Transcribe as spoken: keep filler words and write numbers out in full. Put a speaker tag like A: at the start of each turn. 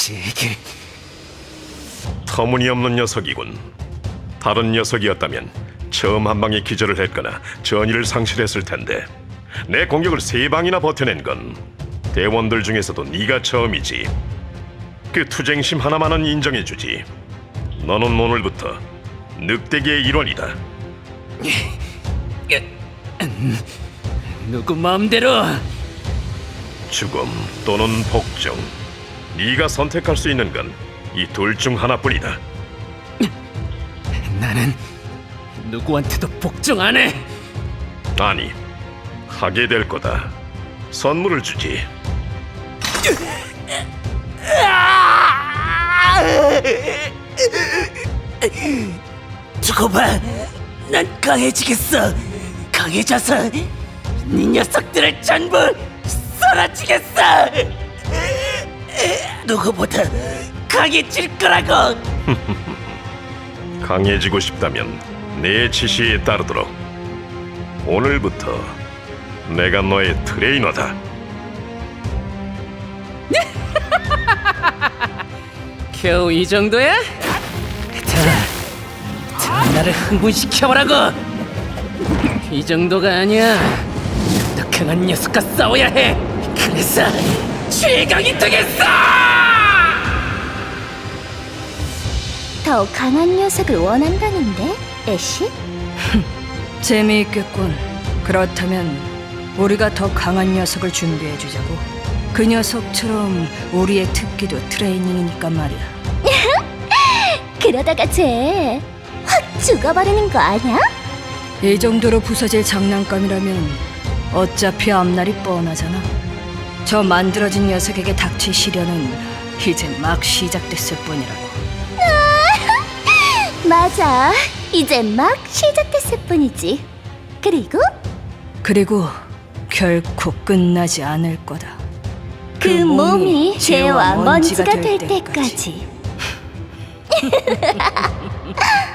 A: 제게
B: 터무니없는 녀석이군. 다른 녀석이었다면 처음 한 방에 기절을 했거나 전의를 상실했을 텐데 내 공격을 세 방이나 버텨낸 건 대원들 중에서도 네가 처음이지. 그 투쟁심 하나만은 인정해주지. 너는 오늘부터 늑대계의 일원이다.
A: 누구 마음대로.
B: 죽음 또는 복종, 네가 선택할 수 있는 건 이 둘 중 하나뿐이다.
A: 나는 누구한테도 복종 안 해.
B: 아니, 하게 될 거다. 선물을 주지.
A: 두고 봐. 난 강해지겠어. 강해져서 네 녀석들을 전부 쏟아지겠어. 누구보다 강해질 거라고.
B: 강해지고 싶다면 내 지시에 따르도록. 오늘부터 내가 너의 트레이너다.
A: 겨우 이 정도야? 자, 자 나를 흥분시켜보라고. 이 정도가 아니야. 더 강한 녀석과 싸워야 해. 그래서 최강이 되겠어.
C: 더 강한 녀석을 원한다는데, 애쉬?
D: 재미있겠군. 그렇다면 우리가 더 강한 녀석을 준비해주자고. 그 녀석처럼 우리의 특기도 트레이닝이니까 말이야.
C: 그러다가 쟤 확 죽어버리는 거 아니야?
D: 이 정도로 부서질 장난감이라면 어차피 앞날이 뻔하잖아. 저 만들어진 녀석에게 닥칠 시련은 이제 막 시작됐을 뿐이라고.
C: 맞아, 이제 막 시작됐을 뿐이지. 그리고
D: 그리고 결코 끝나지 않을 거다.
C: 그 몸이 죄와 먼지가 될 때까지.